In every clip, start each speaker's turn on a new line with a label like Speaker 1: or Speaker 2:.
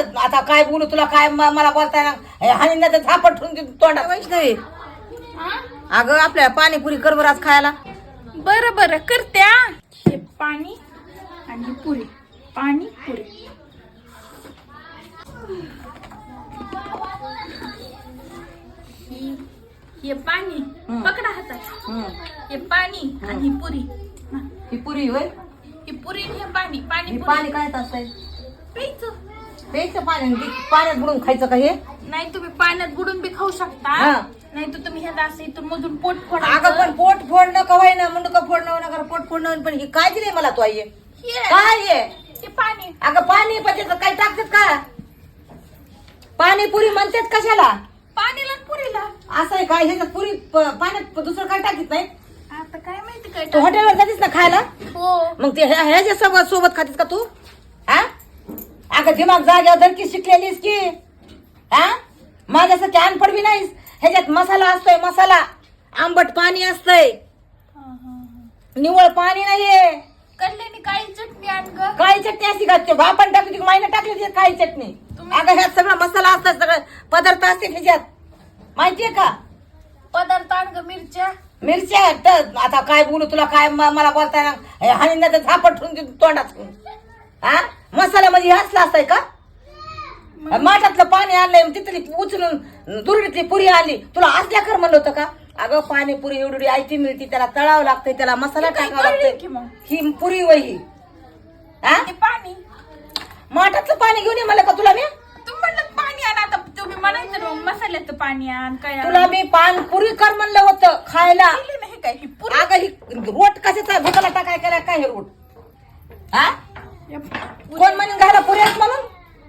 Speaker 1: आता काय बोलू तुला काय मला बोलताय ना हानी झापट ठेवून तोंडात. वैष्णवी अगं आपल्या पाणीपुरी कर बरं आज खायला.
Speaker 2: बरं बरं करते. हे पाणी आणि पुरी, पाणी पुरी. हे पाणी पकडा हातात. हे पाणी आणि ही पुरी.
Speaker 1: ही पुरी होय.
Speaker 2: ही पुरी हे पाणी. पाणी
Speaker 1: पाणी काय असतंय
Speaker 2: प्यायचं.
Speaker 1: प्यायचं पाणी पाण्यात बुडून खायचं का हे.
Speaker 2: नाही तुम्ही पाण्यात बुडून बी खाऊ शकता. नाही तर तुम्ही ह्याला असं इथून मधून पोट फोडा.
Speaker 1: अगं पण पोट फोडणं कवाय ना मुंडकं फोडणं नका पोट फोडणं. पण ही काय दिले मला तू आई काय
Speaker 2: हे पाणी.
Speaker 1: अगं पाणी पण काय टाकतात का. पाणीपुरी म्हणतात कशाला.
Speaker 2: पाणीला पुरीला
Speaker 1: असं आहे काय ह्याच्यात पुरी पाण्यात दुसरं काय टाकीत नाही.
Speaker 2: आता काय माहिती काय
Speaker 1: तू हॉटेलवर जातीस ना खायला.
Speaker 2: हो
Speaker 1: मग ते ह्याच्या सोबत खातीस का तू. हा अगं दिमाग जाग्यावर धरकी शिकलेलीस की. हा माझ्यासाठी अनपड बी नाहीस. ह्याच्यात मसाला असतोय मसाला. आंबट पाणी असतंय निवळ पाणी नाहीये.
Speaker 2: कडल्याने काळी चटणी आण ग.
Speaker 1: काळी चटणी असती का आपण टाकली मायने टाकली काळी चटणी. अगं ह्यात सगळं मसाला असतात सगळं पदार्थ असते ह्याच्यात माहितीये का.
Speaker 2: पदार्थ आण ग.
Speaker 1: मिरच्या तर आता काय बोलू तुला काय मला बोलताय ना हानी झापट ठेवून तोंडात. हा मसाल्यामध्ये असला असताय का. माठातलं पाणी आणलंय तिथली उचलून दुरडीतली पुरी आणली तुला असल्या कर म्हणलं होतं का. अगं पाणीपुरी एवढी आयती मिळती त्याला तळावं लागतंय त्याला मसाला टाकावा लागतोय. ही पुरी वही
Speaker 2: पाणी
Speaker 1: माठातलं पाणी घेऊन ये मला का तुला मी.
Speaker 2: तुम्ही म्हणलं पाणी आण. आता तुम्ही म्हणायचं मसाल्याचं पाणी आण काय
Speaker 1: तुला मी पानपुरी कर म्हणलं होतं खायला.
Speaker 2: नाही काय ही पुरी.
Speaker 1: अगं ही रोट कशाचा भुकाला टाकाय केला काय हे रोट. हा कोण म्हणून घाला पुरी आहेत म्हणून.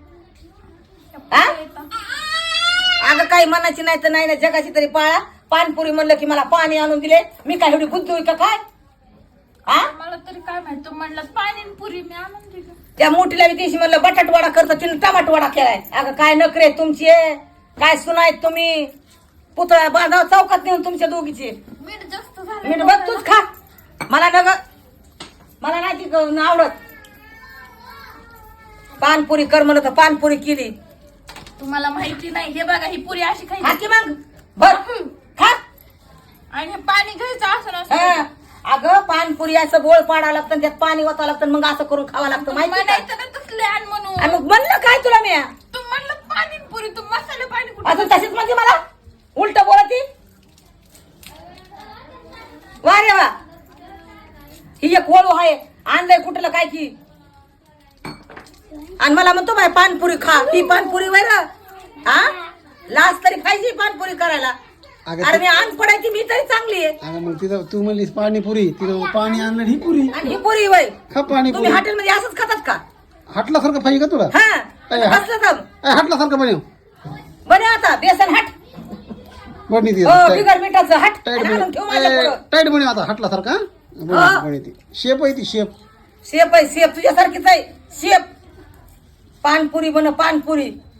Speaker 1: अगं काही मनाची नाही तर नाही ना जगाची तरी पाळा. पानपुरी म्हणलं की मला पाणी आणून दिले. मी काय एवढी बुद्धू का काय. हा
Speaker 2: मला तरी काय माहित. तू म्हणलं पाणी आणि पुरी मी आणून दिलं.
Speaker 1: त्या मोठीला मी दिवशी म्हणलं बटाटवाडा करतो तिने टमाटवाडा केलाय. अगं काय नखरे तुमची काय सुनायत तुम्ही. पुतळा बांधाव चौकात नेऊन तुमच्या दोघीचे.
Speaker 2: मीठ जास्त झालं.
Speaker 1: मीठ बघ तूच खा. मला मला नाही ती आवडत. पानपुरी कर म्हणलं तर पानपुरी केली.
Speaker 2: तुम्हाला माहिती नाही. हे बघा ही पुरी अशी
Speaker 1: खा
Speaker 2: खायची
Speaker 1: की मग बर खा.
Speaker 2: आणि हे पाणी घ्यायचं असं नसतं.
Speaker 1: अगं पानपुरी असं गोळ पाडावं लागतं त्यात पाणी ओतावं लागतं मग असं करून खावं लागतं माहिती का?
Speaker 2: म्हणायचं ना तसले आण म्हणून.
Speaker 1: आणि मग म्हणलं काय तुला मी
Speaker 2: तू म्हणलं पाणी आणि पुरी. तू मसाले पाणी कुठे.
Speaker 1: अजून तशीच म्हणजे मला उलट बोलती. वा रे वा ही एक वळू आहे आणलंय कुठलं काय की. आणि मला म्हणतो बाय पानपुरी खा. ही पानपुरी वय ना हा लाज तरी पाहिजे पानपुरी करायला. अरे मी आण पडायची मी तरी चांगली आहे.
Speaker 3: अगं मग तिथं तू म्हणलीस पाणीपुरी तिथं पाणी आणलं ही पुरी.
Speaker 1: आणि ही पुरी वय
Speaker 3: खा पाणीपुरी.
Speaker 1: तुम्ही हॉटेलमध्ये असंच खातात का.
Speaker 3: हाटल्यासारखं पाहिजे का तुला.
Speaker 1: हा बसलं तर
Speaker 3: हाटल्यासारखं बनव.
Speaker 1: बने आता बेसन हट.
Speaker 3: बनी ती
Speaker 1: हो बिगर मिठाचं हट
Speaker 3: टाईट
Speaker 1: आणि आणून ठेव माझ्या पुढं.
Speaker 3: टाईट बनव आता हाटल्यासारखा बनी ती शेप आहे ती शेप.
Speaker 1: शेप आहे शेप तुझ्यासारखीच आहे शेप. पानपुरी बन पानपुरी.